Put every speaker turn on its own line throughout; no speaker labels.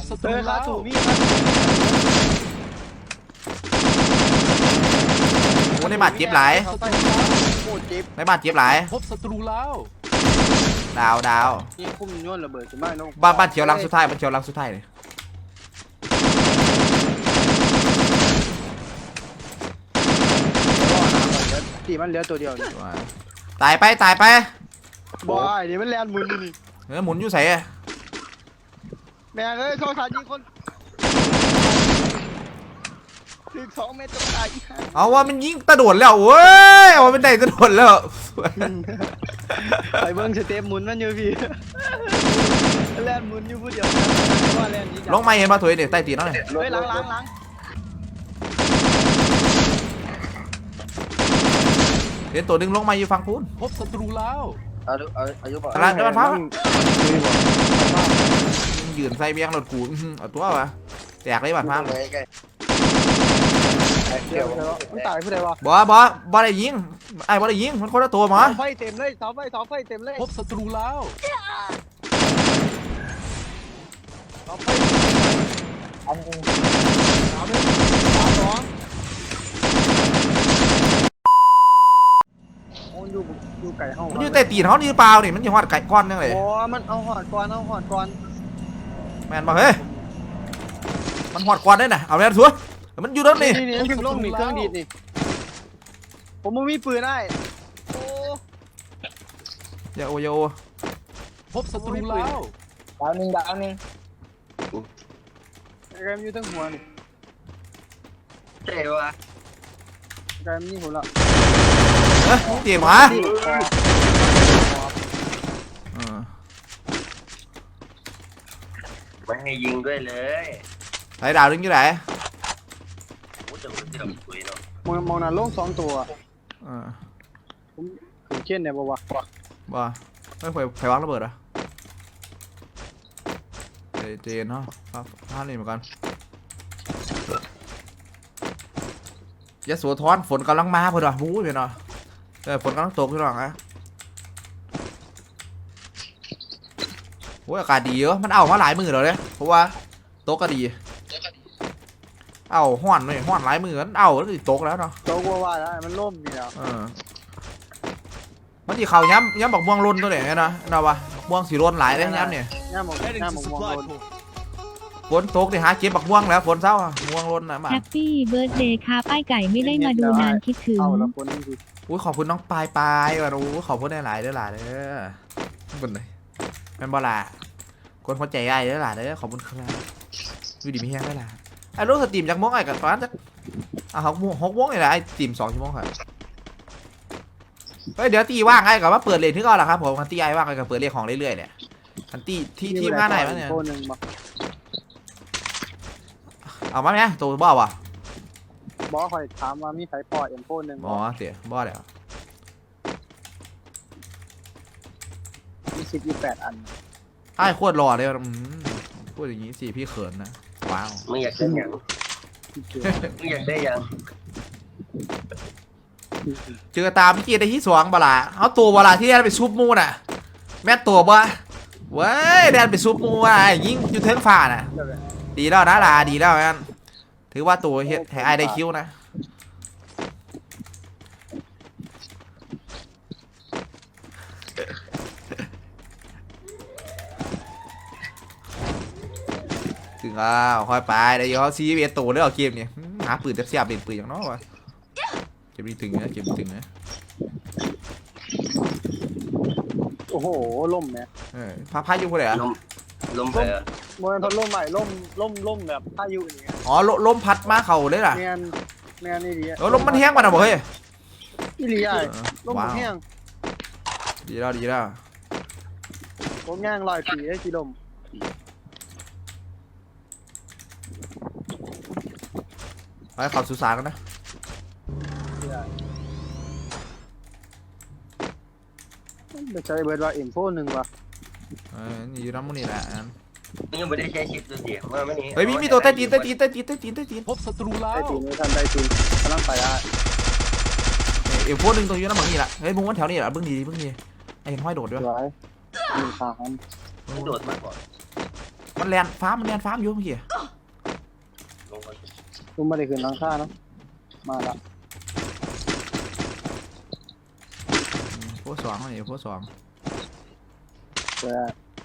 ศัตรูแล้ว
โอ้ในบาดเจ็บหลายในบาดเจ็บหลาย
พบศัตรูแล้ว
ดาว
นี่พุ่มย้อนระเบิดจะไม่น้อง
บ้านเขียวลังสุดท้ายบ้านเขียวลังสุดท้ายเลย
ตีมันเหลือตัวเดียวนี่
ตายไป
บอยเดี๋ยวมันแลนหมุนนี่
หมุนอยู่ใส่
แม่เอ้ยโทรศัพท์ยิงคนถึง2 เมตรจะตายอีกฮะ
เอาว่ามันยิงกระโดดแล้วเว้ยเอาเป็นไหนกระโดดแล้ว
ไปเบิ้งสเต็ปหมุนมันอยู่พี่แลนหมุนอยู่ผู้เดียวว่าแลนนี้
ลงมาเห็นมาถอยเด็กใต้ตีนน้อย
เฮ้ยล้าง
เห็นตัวดึงลงมาอยู่ฝั่งพูน
พบศัตรูแล้ว
อายุบอก
ตลาดเดินฟ้ายืนใส่เบี้ยงรถกูเอาตัววะแตกเลยบาดฟ้า
มันตายผู้ใดวะ
บอได้ยิงไอ้บอได้ยิงมันคนละตัวมั้ง
ไฟเต็มเลยเสาไฟเต็มเลย
พบศัตรูแล้ว
เสาไฟ3-2อยู่ไก่ห้อง
มันอยู่ใต้ตีนเขานี่เปล่านี่มันอยู่หอดไก่ก้อนนั่งเลย
โอ้มันเอาหอดก่อน
แมนบอกเฮ้ยมันหอดก้อนได้น่ะเอาแมนสัวมันอยู่ด้านนี่
เครื่องดีดนี่ผมไม่มีปืนได้โอ้
อย่าโอ
พบศัตรูแล้ว
ดาวหนึ่งแกมอยู่ทั้งหัวนี่เจ๋วะแกมยิงหัวละ
เตี๋ยมา
ไม่ให้ยิงด้วยเลย
ไหนดาวดึงอยู่ไหน
มองหน้าลง2 ตัวผมเช่นเนี่ยบ่
ไม่ไฟวางระเบิดอ่ะเจนเนาะท่านี่เหมือนกันยะโสธรฝนกำลังมาพอดีบู๊เลยเนาะฝนกำลังตกพี่น้องนะโอ้ยอากาศดีเยอะมันเอามาหลายมือแล้วเนี่ยเพราะว่าโต๊ะก็ดีเอาห้อนเลยห้อนหลายมือมันเอาแล้วติดโต๊ะแล้วเนาะ
โต๊ะว่าแล้วมันล่มอยู่แล้ว
มันที่เขาย้ำบอกม่วงล้นตัวไหนนะเราวะม่วงสีล้นหลายเลยย้ำเนี่ย
ย้ำบอกม่วงล้น
ฝนตกดิหาเก็บบักม่วงแล้วฝนเศร้าม่วงล้นนะมา
แฮปปี้เบิร์ดเดย์ค่ะป้ายไก่ไม่ได้มาดูนานคิดถึง
อุ้ยขอบคุณน้องปายว่ะรู้ขอบคุณได้หลายเด้อหลายเด้อคนไหนแมนบอลาคนพอใจไอ้เด้อหลายเด้อขอบคุณครับวิดีมีแห้งได้หลายไอ้รู้สตรีมจากม่วงไอ้กับตอนจะ6 โมงนี่แหละไอ้สตรีม2 ชั่วโมงครับเดี๋ยวตีว่างไอ้กับว่าเปิดเลนที่ก่อนละครับผมคันตีไอ้ว่างไอ้กับเปิดเลนของเรื่อยๆเนี่ยคันตีที่ทีมงานไหนวะเนี่ยเอามาไหมตัวบ้าวะ
บอคอยถามว่ามีไฟปอดM4 1
อ๋อเสียบ้าเดี๋ยว
มี18 อัน
ไอ้โคตรหล่อเลยพูดอย่างนี้สิพี่เขินนะว้าว
ไม่อยากได้ยังไม่อยากได้ยัง
เจอตามพี่เกียร์ได้ที่สองบลาเอาตัวบลาที่แดนไปซุปมูน่ะแม่ตัวบ่เว้ยแดนไปซุปมูอ่ะยิงอยู่เทิงฝ่าน่ะดีแล้วนะลาดีแล้วงั้นถือว่าตัวเฮ็ดให้ไอ้ได้คิวนะถึงค่อยไปเดี๋ยวเขาซีเอสตัวเรื่องเกมเนี่ยหาปืนเสียบเป็นปืนอย่างน้อยวะเก็บดีถึงนะ
โอ้โหล่มเนี่ย
พายุคนไหนอะ
ลมไปอะ
โมเมนต์ล่มใหม่ล่มแบบพายุอย่างเงี้ย
อ๋อลมพัดมาเข่าเลยล่ะ
แมนนี่ดี
ลมมันแห้งมาหน่อยบอกเฮ้ย
นี่ดีไอ้ล่มแห้ง
ดีแล้ว
ผมย่าง100 ปีได้กี่ลม
ไปขับสุสานกันนะ
ไม่ใช่เบิร์ดว่าM4 1ว่ะ
นี่อยู่น้ำมันนี่แหละ
ยังไม่ได้ใช้ชิปตัวเสียงว่าไม่นี่
เฮ้ยมีตัวใต้ตีน
พบศัตรูแล้ว
ใต้ตีนไม่ทันใต้ตีนกำลังไปได้
M4 1ตัวอยู่น้ำมันนี่แหละเฮ้ยมึงวันแถวนี้แหละบึ้งดีไอ้เห็นห้อยโดดด้วย
โดดมากกว่า
มันแลนฟ้ามันแลนฟ้าอยู่เมื่อกี้
ลงมา
กูไม่ได้ขึ้นหลังคาเนาะมาละ
โพสองนี่โพสอง
เจอ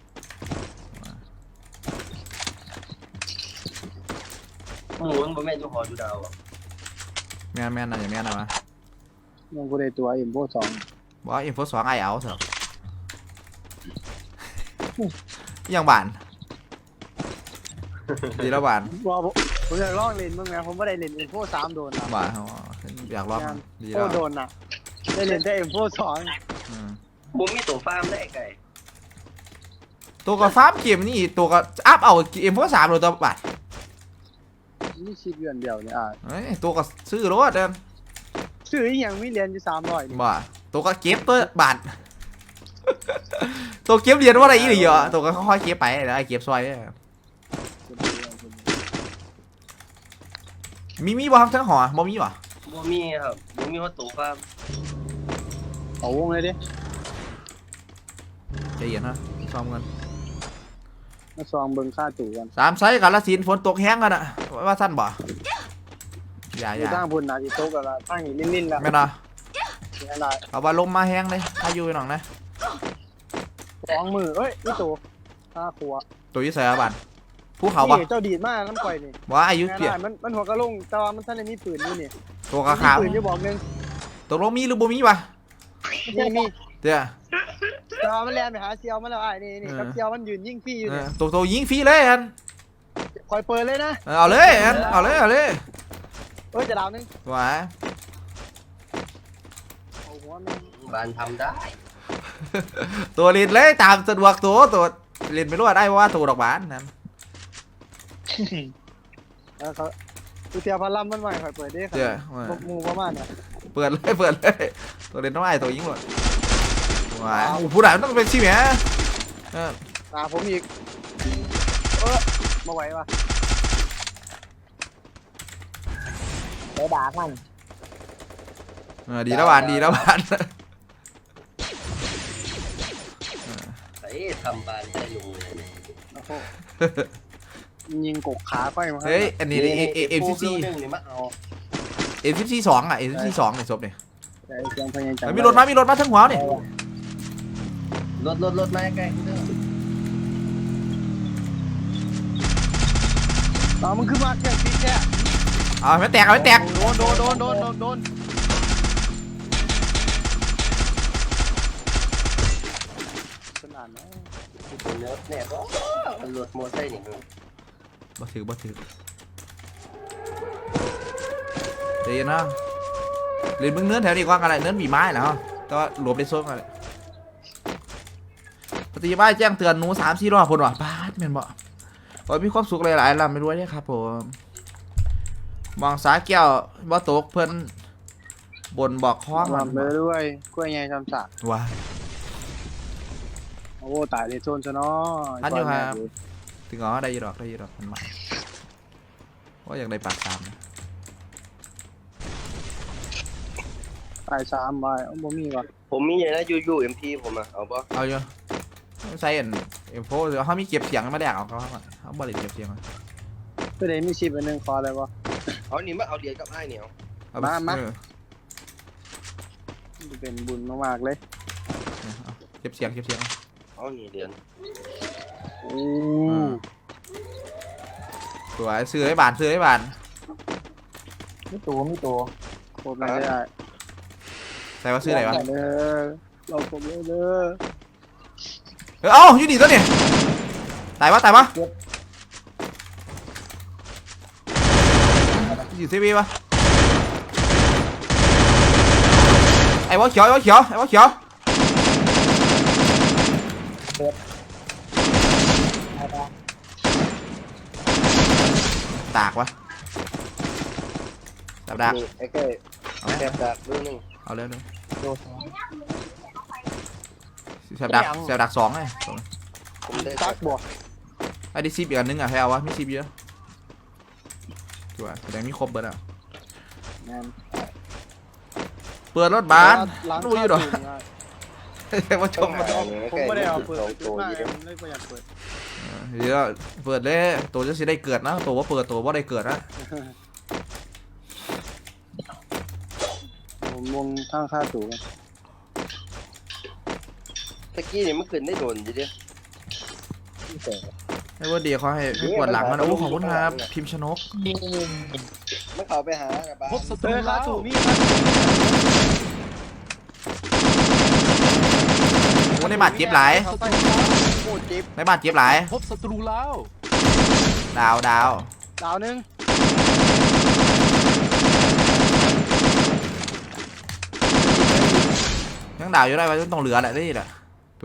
หมูมันบ่แม่นอยู่หออยู่ดาวอ่ะ
แม่นน่ะอย่าแม่นนะวะ
ยังกูได้ตัวM2
บอกว่าอินโฟสองไอเอาเถอะยังบานดีแล้วบาน
ว่าผมอยากลองเล่นมึงไงผมไม่ได้เล่นM2 3โดนนะ
บานอยากลองดี
โอ้
แล้ว
โดนน่ะได้เล่นแต่M2
บ่มีตัวฟาร์มได้ไก่
ตัวกับฟ้าเกมนี่ตัวกับอัพเอาอินโฟสามเลยตัวบาน
2มีชิปเดือนเดียวเนี่ย
ตัวกับซื้อรถเดิน
ซื้ออีหยังมีเหรียญอยู่300
บ่ตัวก็เก็บตัวบาท ตัวเก็บเรียนว่าอะไรอีกเหรอตัวก็ค่อยๆเก็บไปแล้วไอ้เก็บซอยมีบ่ครับทั้งหอบ่มีบ่
บ่มีครับบ่มีว่าตัวฟาร์ม
เอาวงเลยดิ
ใจเย็นนะซ้อมกัน
มาซองเบิ่งค่าตู่กัน
3 ไซส์กับละสินฝนตกแห้งกันอ่ะว่าสั้นบ่อย่า
อยู่ตั้งพุ่นน่ะสิตกแล้วตั้งนี่ลิ้นๆแล้ว
แม่นเนาะ
เสียหลาย
เอาว่าลมมาแห้งเลยถ้าอยู่หน่องนะ
2มือเอ้ยนี่ตู่ค่าขัว
ตัวยี่ใส่บานภูเขาบ่
นี่เจ้าดีดมากน้ำก่อยนี่
ว่าอายุเปลี่ยน
มันหัวกระลงแต่ว่ามันท่านได้มีปืนอยู่นี่
ตัวกระขาว
มีปืนอยู่บอกนึง
ตกลงมีหรือบ่มีวะ
มี
เดี๋ยว
แต่ว่ามันแล่นไปหาเซียวมันแล้วนี่กับเซียวมันยืนยิงฟรีอยู่นี่
ตัวยิงฟรีเลยอัน
คอยเปิดเลยนะ
เอาเลยอันเอาเลย
เอ้ยจะดาวนึง
ว่า
เอาหัวมัน
บานทำได้
ตัวเล่นเลยตามสะดวกตัวเล่นไม่รู้ได้เพราะว่าตัวดอกบานนั่น
แล้วเขาเซียวพลัมมันใหม่คอยเปิดได้ครับ
เจ้า
หมูประมาณเนี่ย
เปิดเลยตัวเล่นต้องไอ้ตัวยิงหมดว้าวผู้ใดต้องเป็นชิแหม
ตาผมอีกมาไหวปะไปด่ามัน
ดีแล้วบาน
ไอ้ทำบานได้ลงเลยเนี่ย
โอ้โหยิงกกขาค่อยมา
เฮ้ยอันนี้MCC
นึงนี่มาเอา
MCC 2อ่ะ MCC 2เนี่ยศพเนี่ย
แต่เสียงพยายาม
มีรถมาทั้งหัวเนี่ย
รถมาใกล้กูเด้อ
มันขึ้นมาแค่ปีแค่
เอาไม่แตก
โดนขนาดนั้น
ตัวเนื้อเนี่ยก็รถมอไซค์นี่มึง
บ่ถือเดี๋ยวนะเล่นมึงเนื้อแถวนี้กว่ากันอะไรเนื้อมีไม้เหรอแต่ว่าหลบได้ส้มกันปฏิบัติแจ้งเตือนหนู3-4 รอบพุ่นว่ะบาดแม่นบ่ขอมีความสุขหลายๆลำไม่รู้ได้ครับผมมองสาแก้วบ่ตกเพิ่นบนบอกคล้อง
ลำเลยด้วยกล้วยใหญ่จำสัก
ว้า
โอ้ตายในโซนซะเนาะ
อันอยู่ครับถึงอ๋อได้ยีดอกมันมาว่าอยากได้ปากตามนะ
ตาย3ใบบ่มีว่ะ
ผมมีอย่างนั้นยูMP ผมอ่ะเอาป่ะ
เอาอยู่ใส่เอ็มโฟเดี๋ยวเขามีเก็บเสียงมาแดกเอาเขาบริเก็บเสียงมา
ก็ได้มีชิปอันนึงคออะไรวะ
เอานี่มาเอาเหรียญกับไอ้เนี่ย
มา เป็นบุญมากๆเลย
เก็บเสียง
เอานี่เหรียญ
โอ้
สวยซื้อให้บาน
มีตัวโคตรไม่ได้
ใส่ว่าซื้อไหนวะ
เราผมเลยเด้อ
เอ้าอยู่ดีตัวเนี่ยตายปะอยู่ซีบีปะไอ้วะเขียวตากวะดับดัก
ไอ้แก่แอบดักดูนึง
เอาเร็ว
โดน
เสียบดัก2ไง
ผมได้
ตักบ่
ไอ้ดิซีบอีกอันนึงอ่ะให้เอาวะมีซีบเยอะชัวร์แสดงมีครบเบิร์ดอ่ะเปิดรถบ้านรู้อยู่หรอว่าชม
ผมไม่ได้เอาเปิดมากเลยผมเลยประหยัดเปิด
เดี๋ยวเปิดเลยตัวจะสิได้เกิดนะตัวว่าเปิดตัวว่าได้เกิดนะ
ผมวงข้างค่าสูง
ตะกี้นี่มันขึ้นได้โดนอยู่ดิ
ให้ว่าดีเขาให้ปวดหลังมันโอ้ขอบคุณครับพิมพ์ชนก
มันเข้าไปหากับบ้าน
พบศัตรู
ค่า
แล้ว
สูงมี
โอ้ในบาดเจ็บหลาย
โคตรจิ๊บ
ในบาดเจ็บหลาย
พบศัตรูแล้ว
ดาว
ดาวนึง
ยังดาวอยู่ได้ไว้ต้องเหลือแหละนี่แหละตัว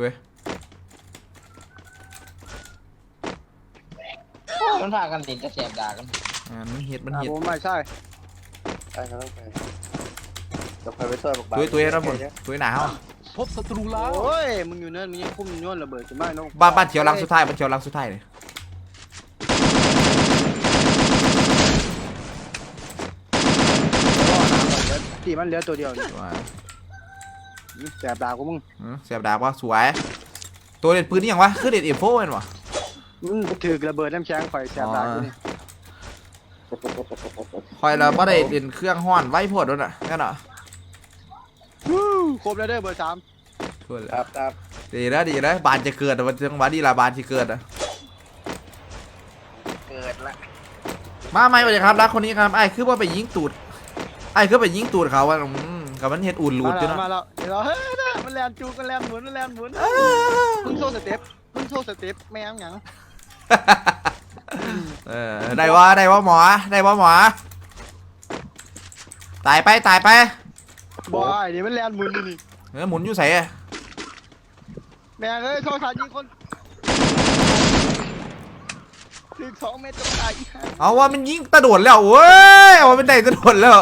มันพากันติดกระแสบด่ากัน
มันเห็ดมันเห็ด
ผมไม่ใช่
ใช่เขาต้องไปจะไปช่วยบอกบ้าน
ตัวนะผมตัวหนาว
พบศัตรูแล้ว
โอ้ยมึงอยู่เนินมึงยังคุ้มย้อนระเบิดจะไม่น้อง
บ้านเขียวลังสุดท้ายบ้านเขียวลังสุดท้ายเลย
ที่มันเหลือตัวเดียวนี่แสบดากูมึง
เสียบดาบว่าสวยตัวเด็ดปืนนี่ยังวะคือเด็ดเอฟโฟเห็นวะ
มึงถือระเบิดน้ำแข็งข่อยแสบดากูนี่
คอยเราไม่ได้เล่นเครื่องห้อนไว้พวดด้วยน่ะงั้นเหรอ
ครบแล้วเด้อเบอร์3
ครับ
ดีนะบานจะเกิดวันจังหวะนี้ละบานจะเกิดอ่ะ
เกิดละ
มาไหมวะเนี่ยครับรักคนนี้ครับไอ้คือว่าไปยิงตูดไอ้คือไปยิงตูดเขาว่ากับมันเห็ดอุ่นหลุด
มา
จ้ะ
แล้ว
เนาะ
มาแล้วเดี๋ยวเฮ้ยมันแลนจูกันแลนหมุนมึงโซ่สเต็ปแม่งหยัง
ได้ว่าหมอตายไป
บอยเดี๋ยวมันแลนหมุนนี่
หมุนอยู่ใส่
แม่งเอ้ยโซ่สายิงคนถึง2 เมตรก็ตายอีกห่า
เอาว่ามันยิงตะโดดแล้วเว้ยเอาว่าเป็นไหนตะโดดแล้ว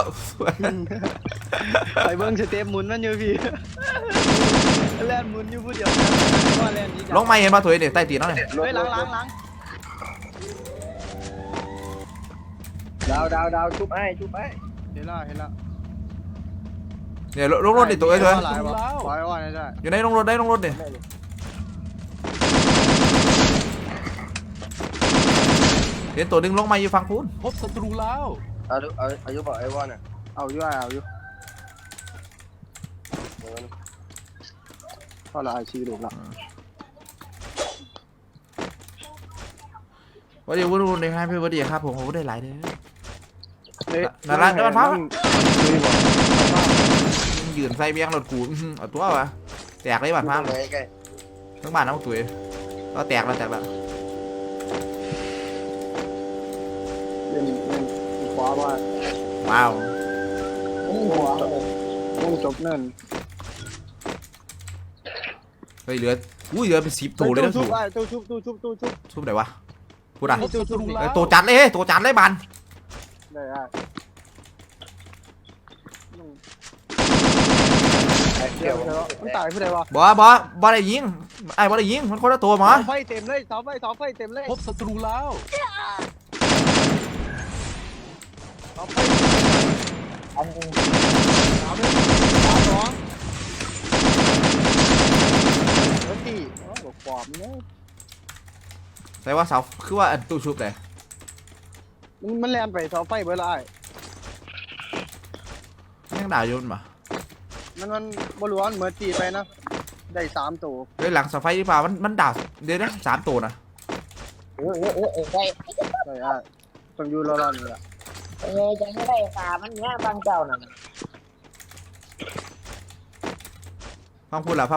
ไปเบิ้งสเต็ปหมุนมันอยู่พี่แลนหมุนอยู่ผู้เดียวว่าแลนนี้
ลงมาเห็นมาถอยเนี่ยใต้ตีนแล้วเนี่ย
เฮ้ยล้าง
ดาวชุบไอ้
เห็นแล้ว
เนี่ยลงรถดิตัวเอ้ย
หลายวะปล่อยว่าได้
อยู่ในลงรถเนี่ยเห็นตัวดึงลงมาอยู่ฝั่งพูน
พบศัตรูแล้ว
อายุบอกไอ้วอนอ่ะ
เอาอยู่ก็ละชีวิตละ
วันดีวันดีครับพี่วันดีครับผมได้หลายเด้อ
นั่นร้านมันพัก
ยืนใส่เบี้ยงรถกูเอาตัววะแตกเลยบ้านพัง
เลยใกล้
ทั้งบ้านทั้งตัวก็แตกแล้ว
เล่นขวาว่า
ว้าว
วงจบเนิน
เฮ้ยเหลือเป็น10ตัวเลยนะ
ตู้
สู
ชุบ
ชุบไหนวะพูดอ่ะ
พบศัตรูแล้ว
ตัวจัดเลยบัน
ได้
เดี๋ยว
มันตายผู้ใดวะ
บ่ได้ยิงไอ้บ่ได้ยิงมันคนละตัวหมอ
ไฟเต็มเลยเสาไฟเต็มเลย
พบศัตรูแล้ว
เสาไฟ
อันนึง
สามสองแล้วตีบอกปอบเนี่ย
ใส่ว่าเสาคือว่าตู้ชุบเลย
มันแลนไปเสาไฟเบอร์ไร
ยังด่าโยนมา
มันบล้วนเหมือนตีไปนะได้3 ตัว
เฮ้ยหลังเสาไฟที่ป่ามันด่าเดี๋ยวนะ3 ตัวนะ
ได้
ได้ต้องอยู่รอๆนี่แหละ
จะไม่ได้ขามันเนี้ยบางเจ้าน่ะ
พังพูดละ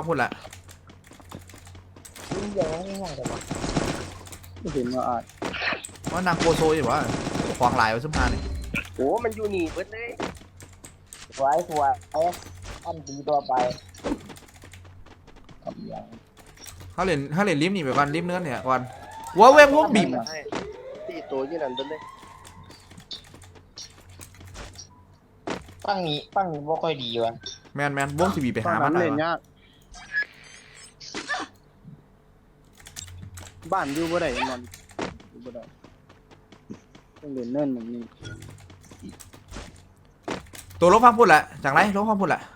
มันเยอะไม่ห่างกันวะ
ไม่เห็นว่าอาจ
ว่านางโกโซอยู่วะควางหลายไว้สมภารนี่
โอ้มันอยู่นี่เบิดเลย
สวยอันดีตัวไปกับอย่าง
เขาเล่นลิฟต์นี่ไปก่อนลิฟต์เนื้อเนี่ยก่อนว้าวเว้งวงบีบ
ตีตัวยี่นั่นเบิดเลย
ตั้งนี้บ่ค่อยดีวะ
แมนวงทีบีไปหามัน
เล่น
วะ
ยากบ้านอยู่บ่ได้มันอยู่บ่ได้ต้องเล่นเนินแบบนี้
ตัวลบพังพูดละจากไรลบพังพูดละ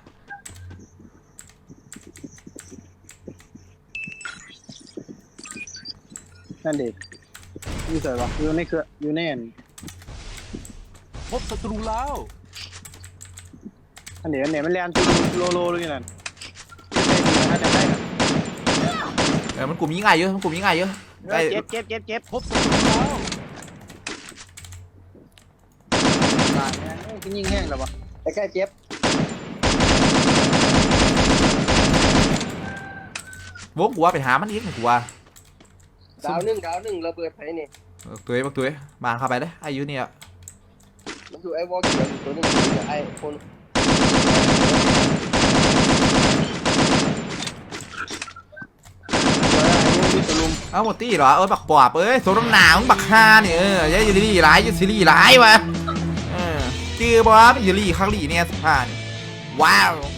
ไหน
นั่นเด็กอยู่ใส่วะอยู่ในเครืออยู่แน่น
พบศัตรูแล้ว
อันเด็กมันเรียนโลเลยนั่นถ้าจะได้
มันกลุ่มยิงง่ายเยอะมันกลุ่มยิงง่ายเยอะไอ้
เจ็บ
พบศัตรูแล้ว
บาดเนี่ยกินยิงแห้งแล้ววะ
ใกล้ๆเจ็บ
โว้กลัวไปหามันอีกกลัว
ดาวหนึ่งระเบิดไฟนี่
ตัวบางเข้าไปเลยอายุเนี่ย
มันอยู่ไอ้วอลเขียวอยู่ตัวนึงอยู่ไอ้คน
เอาหมดตี้เหรอบักปอบโซนหนาวบักฮาเนี่ยยัยยูรี่ร้ายยูซีรีร้ายวะจือบอสยูรี่ข้างหลีเนี่ย15ว้าว